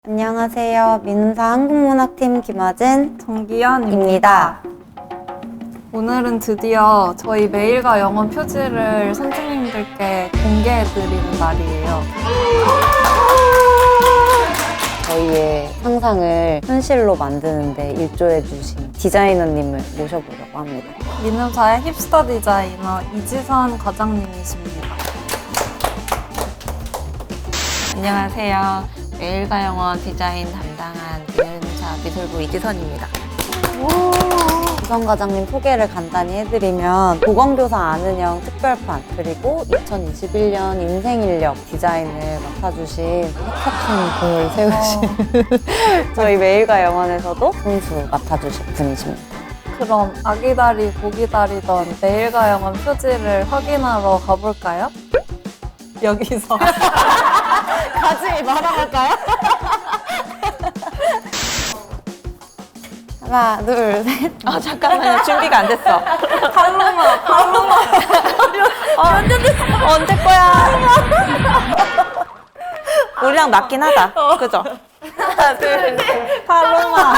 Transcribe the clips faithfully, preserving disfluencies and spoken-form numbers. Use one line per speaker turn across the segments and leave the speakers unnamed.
안녕하세요. 민사 한국문학팀 김하진
정기현입니다.
입니다.
오늘은 드디어 저희 메일과 영어 표지를 선생님들께 공개해드리는 날이에요.
저희의 상상을 현실로 만드는데 일조해주신 디자이너님을 모셔보려고 합니다.
민음사의 힙스터 디자이너 이지선 과장님이십니다.
안녕하세요. 메일과 영어 디자인 담당한 민음사 미술부 이지선입니다.
이선 과장님 소개를 간단히 해드리면 보건교사 아는형 특별판 그리고 이천이십일 년 인생인력 디자인을 맡아주신 혁혁한 공을 세우신 저희 메일과 영어에서도 선수 맡아주신 분이십니다.
그럼 아기다리 고기다리던 메일과 영어 표지를 확인하러 가볼까요? 여기서
같이 말아볼까요? 하나, 둘, 셋.
아 잠깐만요. 준비가 안 됐어.
팔로마 팔로마
어, 언제 거야? 우리랑 맞긴 하다. 그죠?
하나 둘셋 팔로마.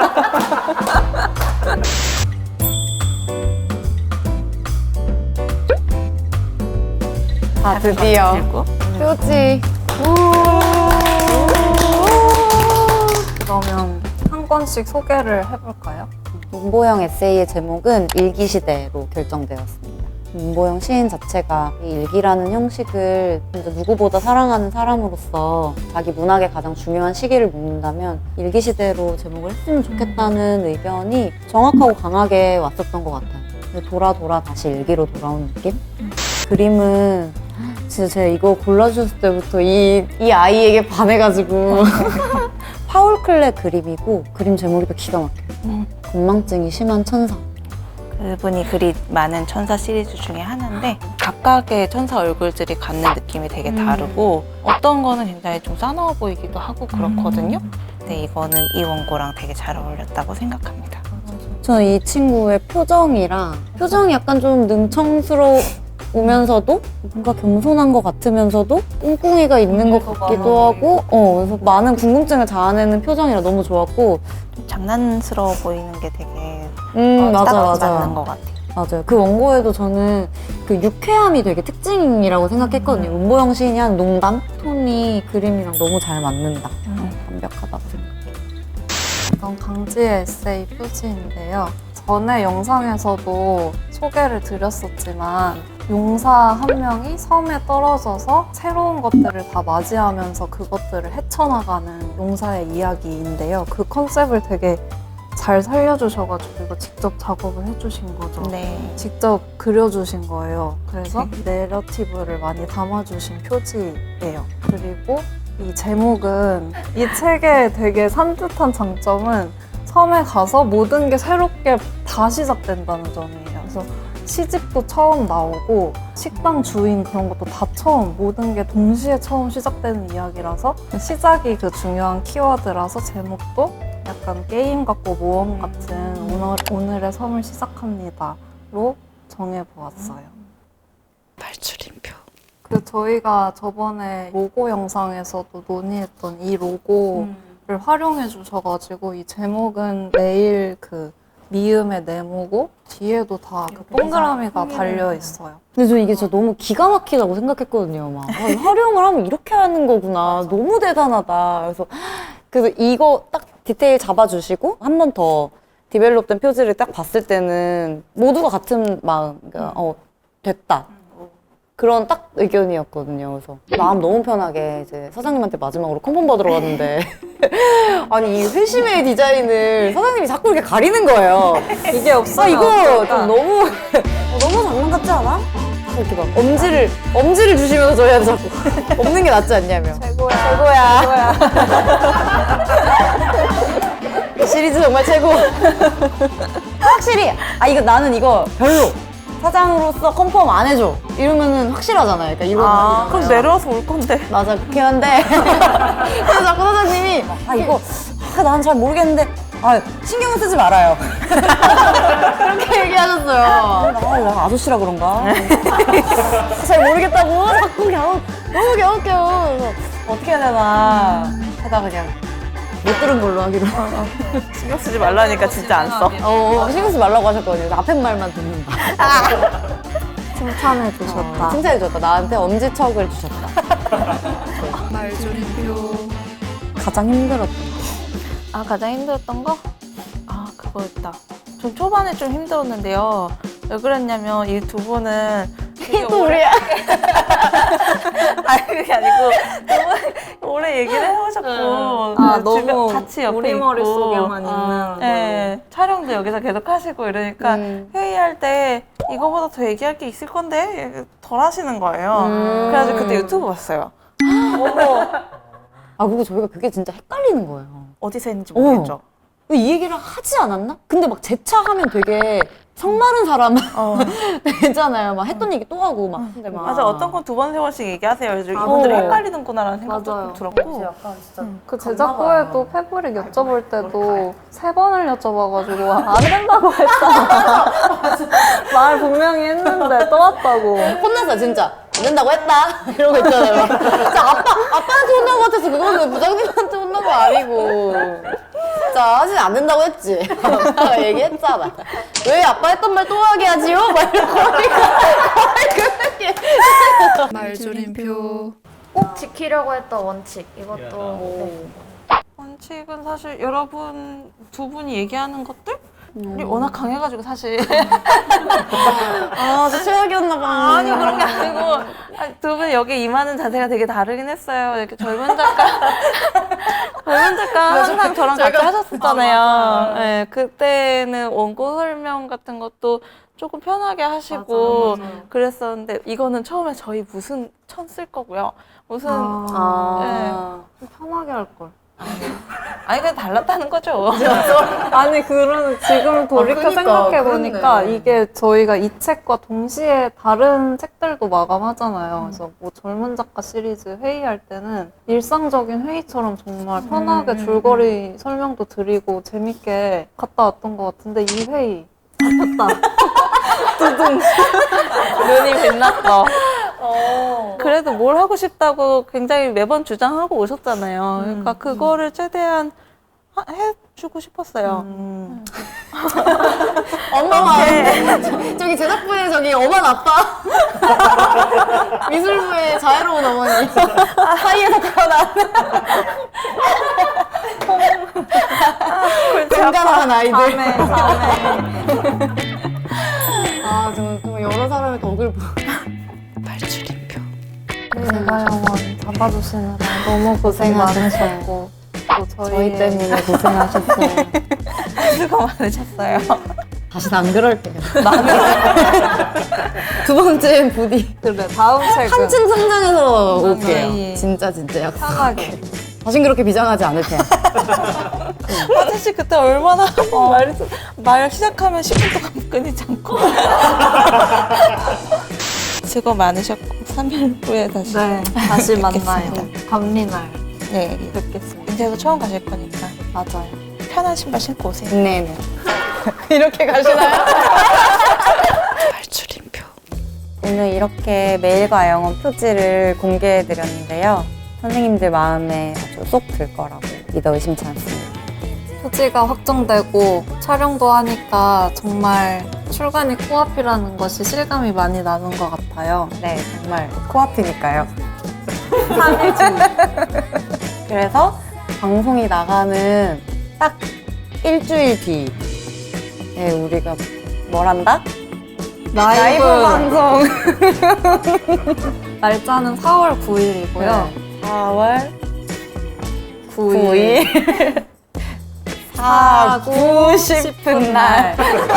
아, 드디어
들고.
표지.
그러면 한 권씩 소개를 해볼까요?
문보영 에세이의 제목은 일기시대로 결정되었습니다. 문보영 시인 자체가 이 일기라는 형식을 진짜 누구보다 사랑하는 사람으로서 자기 문학의 가장 중요한 시기를 묻는다면 일기시대로 제목을 했으면 좋겠다는 의견이 정확하고 강하게 왔었던 것 같아요. 돌아 돌아 다시 일기로 돌아온 느낌? 그림은 진짜 제가 이거 골라주셨을 때부터 이, 이 아이에게 반해가지고 파울 클레 그림이고 그림 제목이 또 기가 막혀요. 건망증이 심한 천사.
그분이 그리 많은 천사 시리즈 중에 하나인데 각각의 천사 얼굴들이 갖는 느낌이 되게 다르고 어떤 거는 굉장히 좀 싸나워 보이기도 하고 그렇거든요. 근데 이거는 이 원고랑 되게 잘 어울렸다고 생각합니다.
저는 이 친구의 표정이랑 표정이 약간 좀 능청스러우면서도 뭔가 겸손한 것 같으면서도 꿍꿍이가 있는 것 같기도 하고 어, 그래서 많은 궁금증을 자아내는 표정이라 너무 좋았고
좀 장난스러워 보이는 게 되게
음
어,
맞아
딱
맞아
맞는 것 같아요.
맞아요. 그 원고에도 저는 그 유쾌함이 되게 특징이라고 생각했거든요. 문보영 시인이 한 농담? 톤이 그림이랑 너무 잘 맞는다.
음.
완벽하다고 생각해요.
이건 강지의 에세이 표지인데요. 전에 영상에서도 소개를 드렸었지만 용사 한 명이 섬에 떨어져서 새로운 것들을 다 맞이하면서 그것들을 헤쳐나가는 용사의 이야기인데요. 그 컨셉을 되게 잘 살려주셔가지고 이거 직접 작업을 해주신 거죠.
네.
직접 그려주신 거예요. 그래서 내러티브를 많이 담아주신 표지예요. 그리고 이 제목은 이 책의 되게 산뜻한 장점은 섬에 가서 모든 게 새롭게 다 시작된다는 점이에요. 그래서 시집도 처음 나오고 식당 주인 그런 것도 다 처음, 모든 게 동시에 처음 시작되는 이야기라서 시작이 그 중요한 키워드라서 제목도 약간 게임 같고 모험 같은 오늘, 오늘의 섬을 시작합니다로 정해보았어요.
발출인표.
그 저희가 저번에 로고 영상에서도 논의했던 이 로고를 활용해 주셔가지고 이 제목은 매일 그 미음의 네모고 뒤에도 다 그 동그라미가 달려 있어요.
근데 저 이게 진짜 너무 기가 막히다고 생각했거든요. 막 아, 활용을 하면 이렇게 하는 거구나.
맞아.
너무 대단하다. 그래서 그래서 이거 딱 디테일 잡아주시고 한 번 더 디벨롭된 표지를 딱 봤을 때는 모두가 같은 마음, 그러니까 어 됐다. 그런 딱 의견이었거든요. 그래서 마음 너무 편하게 이제 사장님한테 마지막으로 컨펌 받으러 갔는데 아니 이 회심의 디자인을 사장님이 자꾸 이렇게 가리는 거예요.
이게
아
없어요.
이거 좀 너무 어, 너무 장난 같지 않아? 이렇게 막 엄지를 엄지를 주시면서 저희한테 자꾸 없는 게 낫지 않냐며.
최고야.
최고야. 이 시리즈 정말 최고. 확실히 아 이거 나는 이거 별로. 사장으로서 컨펌 안 해줘 이러면은 확실하잖아요. 그러니까 이러면
아, 그럼 내려와서 올 건데.
맞아 그렇긴 한데 그래서 자꾸 사장님이 아 이거 아, 난 잘 모르겠는데 아 신경은 쓰지 말아요. 그렇게 얘기하셨어요. 아, 나 아저씨라 그런가? 잘 모르겠다고 자꾸 갸우 너무 갸웃겨요. 그래서 어떻게 해야 되나 하다가 그냥 못 들은 걸로 하기로.
신경 쓰지 말라니까 진짜 안 써.
어, 신경 쓰지 말라고 하셨거든요. 앞에 말만 듣는다.
칭찬해 주셨다.
어, 칭찬해줬다. 나한테 엄지척을 주셨다.
말조림표.
가장 힘들었던
아, 가장 힘들었던 거? 아, 그거였다. 전 초반에 좀 힘들었는데요. 왜 그랬냐면 이 두 분은 되게
또
오래-
우리야.
아니 그게 아니고 너무 오래 얘기를 해오셨고
아,
그 주변
너무
같이 옆에
우리
있고
머릿속에만
아,
있는 걸로.
네, 촬영도 여기서 계속 하시고 이러니까
음.
회의할 때 이거보다 더 얘기할 게 있을 건데 덜 하시는 거예요.
음.
그래가지고 그때 유튜브 봤어요.
아, 그리고 저희가 그게 진짜 헷갈리는 거예요.
어디서 했는지 모르겠죠.
왜 이 얘기를 하지 않았나? 근데 막 재차하면 되게 성마른 사람은
어.
되잖아요. 막 했던 얘기 또 하고 막. 근데 막.
맞아, 어떤 건 두 번, 세 번씩 얘기하세요. 그래서
아,
이분들이
어.
헷갈리는구나라는 생각도
맞아요.
좀 들었고.
약간 진짜.
그 제작부에도 패브릭 여쭤볼 때도 세 번을 여쭤봐가지고 안 된다고 했잖아. 말 분명히 했는데 또 왔다고.
혼났어, 진짜. 안 된다고 했다. 이런 거 있잖아요. 진짜 아빠, 아빠한테 혼난 것 같아서 그거는 부장님한테 혼난 거 아니고. 진짜 사실 안 된다고 했지. 아빠가 얘기했잖아. 왜 아빠 했던 말 또 하게 하지요? 막 이러고.
말조림표. 꼭 지키려고 했던 원칙. 이것도 네.
원칙은 사실 여러분 두 분이 얘기하는 것들이
음.
워낙 강해가지고 사실
아, 진짜 최악이었나 봐.
아니 그런 게 아니고 아니, 두 분이 여기 임하는 자세가 되게 다르긴 했어요. 이렇게 젊은 작가 젊은 작가 항상 저랑 같이 하셨었잖아요. 네, 그때는 원고 설명 같은 것도 조금 편하게 하시고
맞아요, 맞아요.
그랬었는데 이거는 처음에 저희 무슨 천 쓸 거고요. 무슨
아.
편하게 할 걸.
아니 그냥 달랐다는 거죠.
아니 그런 지금 돌이켜
그러니까,
생각해 보니까
그렇네.
이게 저희가 이 책과 동시에 다른 책들도 마감하잖아요. 그래서 뭐 젊은 작가 시리즈 회의할 때는 일상적인 회의처럼 정말 편하게
음,
줄거리 설명도 드리고 재밌게 갔다 왔던 것 같은데 이 회의
눈이 빛났어. 그래도 뭘 하고 싶다고 굉장히 매번 주장하고 오셨잖아요. 그러니까 그거를 최대한 하- 해주고 싶었어요.
음.
엄마가 저- 저기 제작부에 저기 엄한 아빠 미술부에 자유로운 어머니 사이에서 태어난 건강한 아이들. 아 정말 정말 여러 사람의 덕을 보.
제가 영원 잡아주시느라 너무 고생 많으셨고 또 저희,
저희 때문에 고생하셨어요.
수고 많으셨어요.
다시 안 그럴게요. 두 번째는 부디
그래 다음 책은
한층 성장해서 올게요.
예.
진짜 진짜 약속.
편하게
다신 그렇게 비장하지 않을 테야.
화재 씨 그때 얼마나 말, 말 시작하면 십 분 동안 끊이지 않고. 수고 많으셨고 삼 일 후에 다시
네 다시
뵙겠습니다.
만나요. 밤리날
네,
뵙겠습니다.
인제도 처음 가실 거니까
맞아요.
편한 신발 신고 오세요.
네네. 이렇게 가시나요?
발출인표.
오늘 이렇게 메일과 영어 표지를 공개해드렸는데요. 선생님들 마음에 아주 쏙 들 거라고 믿어 의심치 않습니다.
표지가 확정되고 촬영도 하니까 정말 출간이 코앞이라는 것이 실감이 많이 나는 것 같아요.
네, 정말 코앞이니까요. 그래서 방송이 나가는 딱 일주일 뒤에 우리가 뭘 한다?
라이브,
방송!
날짜는 사월 구일이고요.
사월
구일.
구일 사고 싶은 날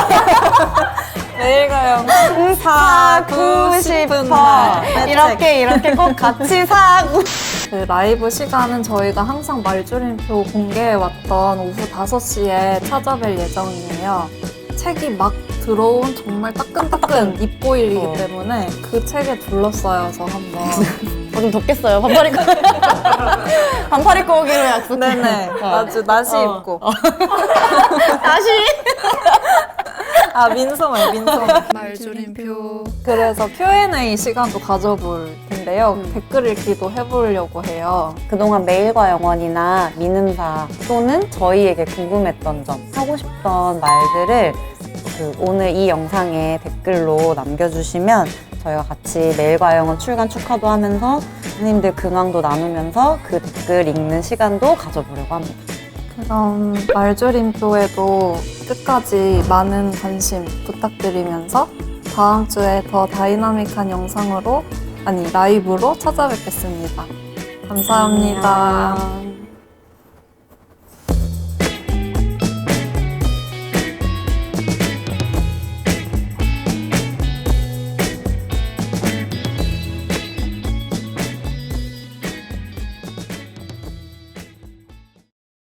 내일 가요.
사고 싶은 날 이렇게 이렇게 꼭 같이 사고
그 라이브 시간은 저희가 항상 말줄임표 공개해왔던 오후 다섯 시에 찾아뵐 예정이에요. 책이 막 들어온 정말 따끈따끈 입보일이기
어.
때문에 그 책에 둘러싸여서 한번
어, 좀 덥겠어요. 반팔 입고 반팔 입고 오기로 약속해.
네네 아주 나시
어.
입고
다시
아 민소매 민소매
말조림표.
그래서 큐 앤 에이 시간도 가져볼 있는데요.
음.
댓글 읽기도 해보려고 해요.
그동안 메일과 영원이나 미는사 또는 저희에게 궁금했던 점, 하고 싶던 말들을 그 오늘 이 영상에 댓글로 남겨주시면 저희가 같이 메일과 영원 출간 축하도 하면서 선생님들 근황도 나누면서 그 댓글 읽는 시간도 가져보려고 합니다.
그럼 말조림표에도 끝까지 많은 관심 부탁드리면서 다음 주에 더 다이나믹한 영상으로, 아니 라이브로 찾아뵙겠습니다. 감사합니다.
안녕.